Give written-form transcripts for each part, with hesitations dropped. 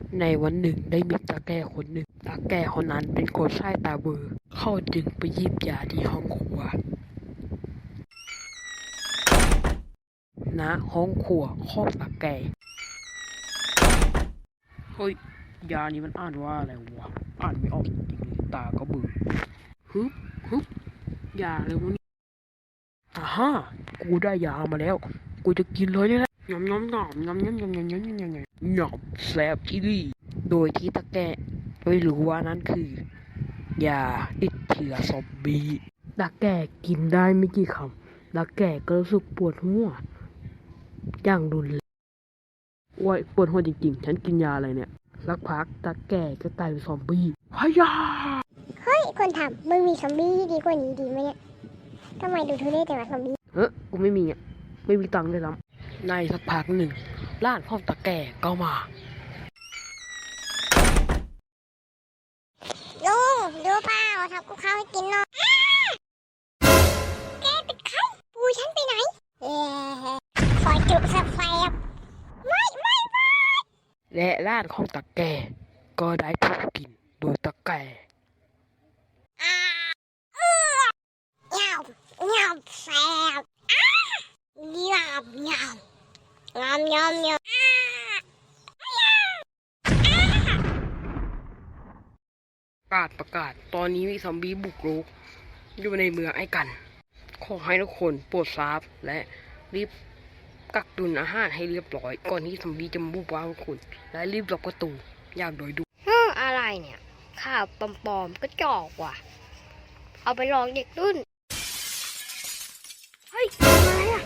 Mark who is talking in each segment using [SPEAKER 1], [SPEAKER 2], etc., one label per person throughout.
[SPEAKER 1] ในวันหนึ่งได้มีตาแก่คนหนึ่งตาแก่คนนั้นเป็นคนใช้ตาเบลอเขาจึงไปหยิบยาที่ห้องครัวณห้องครัวของตาแก่เฮ้ยยานี้มันอ่านว่าอะไรวะอ่านไม่ออกจริงๆตาก็เบื่อฮึบฮึบยาอะไรวะนี่อ่าฮะกูได้ยามาแล้วกูจะกินเลยนี่แหละยำยำยำยำยำยำยำยำยำยำยำแซ่บที่ดีโดยที่ตาแก่ไม่รู้ว่านั่นคือยาติดเชื้อซอมบี้ตาแก่กินได้ไม่กี่คำตาแก่ก็รู้สึกปวดหัวอย่างรุนแรงว้ยปวดหัวจริงๆฉันกินยาอะไรเนี่ยสักพักตาแก่ก็กลายเป็นซอมบี้ฮายา
[SPEAKER 2] เฮ้ยคนทำมึงมีซอมบี้ที่ดีกว่านี้ดีไหมเนี่ยทำไมดูทุเรศแต่ว่าซอมบี้
[SPEAKER 1] กูไม่มีไม่มีตังค์เลยซ้ำในสักพักหนึ่งร้านพ่อตาแก่ก็มา
[SPEAKER 2] ลุงดูเปล่าทำกูข้าวให้กินหน่อยแกเป็นใครปูฉันไปไหนคอยจุดแฟบไม่
[SPEAKER 1] และร้านของตาแก่ก็ได้ถูกกินโดยตาแก่
[SPEAKER 2] เหงาเหงาแฟบเหงาเหงาเหงาเหงาเหงา
[SPEAKER 1] ประกาศตอนนี้มีซอมบี้บุกรุกอยู่ในเมืองไอ้กันขอให้ทุกคนโปรดทราบและรีบกักตุนอาหารให้เรียบร้อยก่อนที่ซอมบี้จะบุกบ้านคุณและรีบล็อกประตูอย่างโดยด่วน
[SPEAKER 3] อะไรเนี่ยข่าวปลอมๆก็จอกว่ะเอาไปลองเด็กรุ่นเฮ้ยอะไรอ่ะ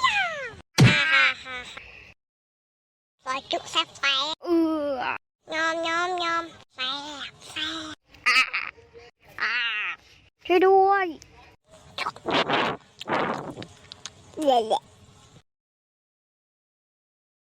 [SPEAKER 2] คอยจุดแฟบยอมแฟบ
[SPEAKER 3] ช่วยด้วย
[SPEAKER 2] เละ